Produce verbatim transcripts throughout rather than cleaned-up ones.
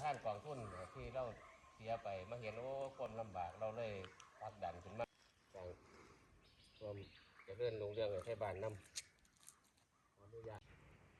านกองทุนที่เราเสียไปมาเห็นโอ้คนลำบากเราเลยผลักดันขึ้นมาอย่างรวมจะเลื่อนลงเรื่องให้บ้านนำขออนุญาต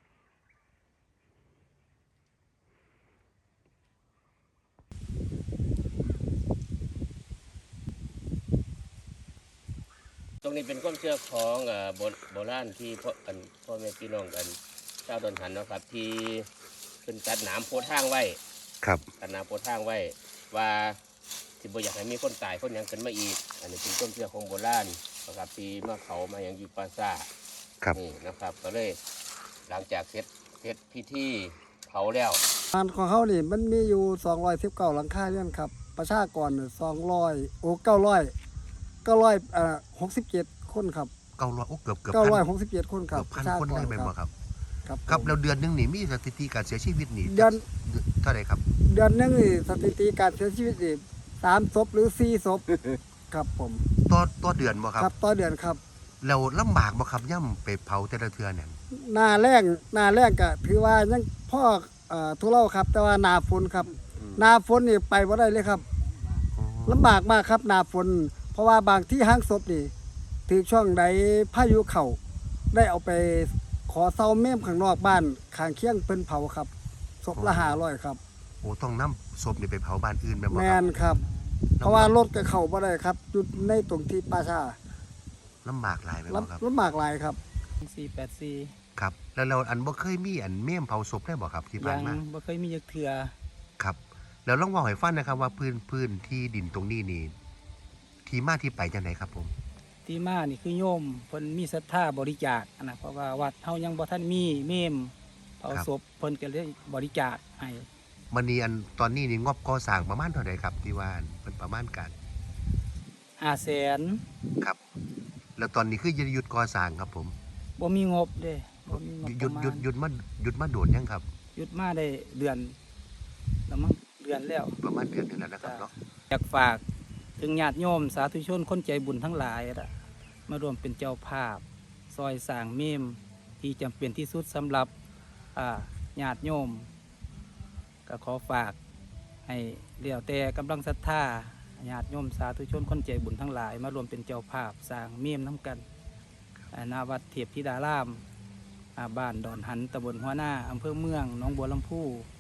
ตรงนี้เป็นความเชื่อของโบราณที่พ่อกันพ่อแม่พี่น้องกันเจ้าดอนหันนะครับที่เป็นตัดหนามโพทางไว้ครับตัดหนามโพทางไว้ว่าที่บ่อยากให้มีคนตายคนยังเกินมาอีกอันนี้เป็นความเชื่อของโบราณนะครับที่มาเขามาอย่างอยู่ปราสาทนี่นะครับก็เลยหลังจากเสร็จเสร็จพิธีเผาแล้วบ้านของเขานี่มันมีอยู่สองร้อยสิบเก้าหลังคาเรือนครับประชากรสองร้อยโอ้เก้าร้อยเก้าร้อยเอ่อหกสิบเจ็ดคนครับเก้าร้อยโอ้เกือบเกือบเก้าร้อยหกสิบเจ็ดคนครับพันคนได้ไหมบ่ครับครับครับแล้วเดือนนึงนี่มีสถิติการเสียชีวิตนี่เดือนเท่าไหร่ครับเดือนนึงนี่สถิติการเสียชีวิตนี่สามศพหรือสี่ศพครับผมต่อต่อเดือนบ่ครับครับต่อเดือนครับแล้วลำบากบ่ครับย่ำไปเผาแต่ละเทื่อเนี่ยหน้าแรงหน้าแรงก็ถือว่ายังพ่อเอ่อทุเลาครับแต่ว่าหน้าฝนครับหน้าฝนนี่ไปบ่ได้เลยครับลำบากมากครับหน้าฝนเพราะว่าบางที่ห้างศพนี่ถือช่วงใดพายุเข้าได้เอาไปขอเซาเมมข้างนอกบ้านข้างเคียงเพิ่นเผาครับศพละห้าร้อยครับโอ้ต้องนำศพนี่ไปเผาบ้านอื่นแม่นบ่ครับแม่นครับเพราะว่ารถก็เข้าบ่ได้ครับอยู่ในตรงที่ป่าช้าลำบากหลายแม่นบ่ครับลำบากหลายครับสี่แปดสี่ครับแล้วเราอันบ่เคยมีอันเมมเผาศพได้บ่ครับที่ผ่านมาบ่เคยมีจักเทื่อครับแล้วลองเว้าให้ฟังนะครับว่าพื้นพื้นที่ดินตรงนี้นี่ที่มาที่ไปจังได๋ครับผมที่มานี่คือโยมเพิ่นมีศรัทธาบริจาคนะเพราะว่าวัดเฮายังบ่ทันมีเมมเผาศพเพิ่นก็เลยบริจาคให้มื้อนี้อันตอนนี้นี่งบก่อสร้างประมาณเท่าใดครับที่ว่าเพิ่นประมาณการห้าแสนครับแล้วตอนนี้คือหยุดก่อสร้างครับผมบ่มีงบเด้บ่มีงบหยุดหยุดหยุดมาหยุดมาโดนยังครับหยุดมาได้เดือนแล้วมั้งเดือนแล้วประมาณเดือนนึงแล้วนะครับเนาะอยากฝากถึงญาติโยมสาธุชนคนใจบุญทั้งหลายล่ะมาร่วมเป็นเจ้าภาพซอยสร้างเมมที่จำเป็นที่สุดสำหรับญาติโยมก็ขอฝากให้เลี้ยวแต่กำลังศรัทธาญาติโยมสาธุชนคนใจบุญทั้งหลายมารวมเป็นเจ้าภาพสร้างเมมน้ำกันณวัดเทพธิดารามบ้านดอนหันตำบลหัวหน้าอำเภอเมืองหนองบัวลำพู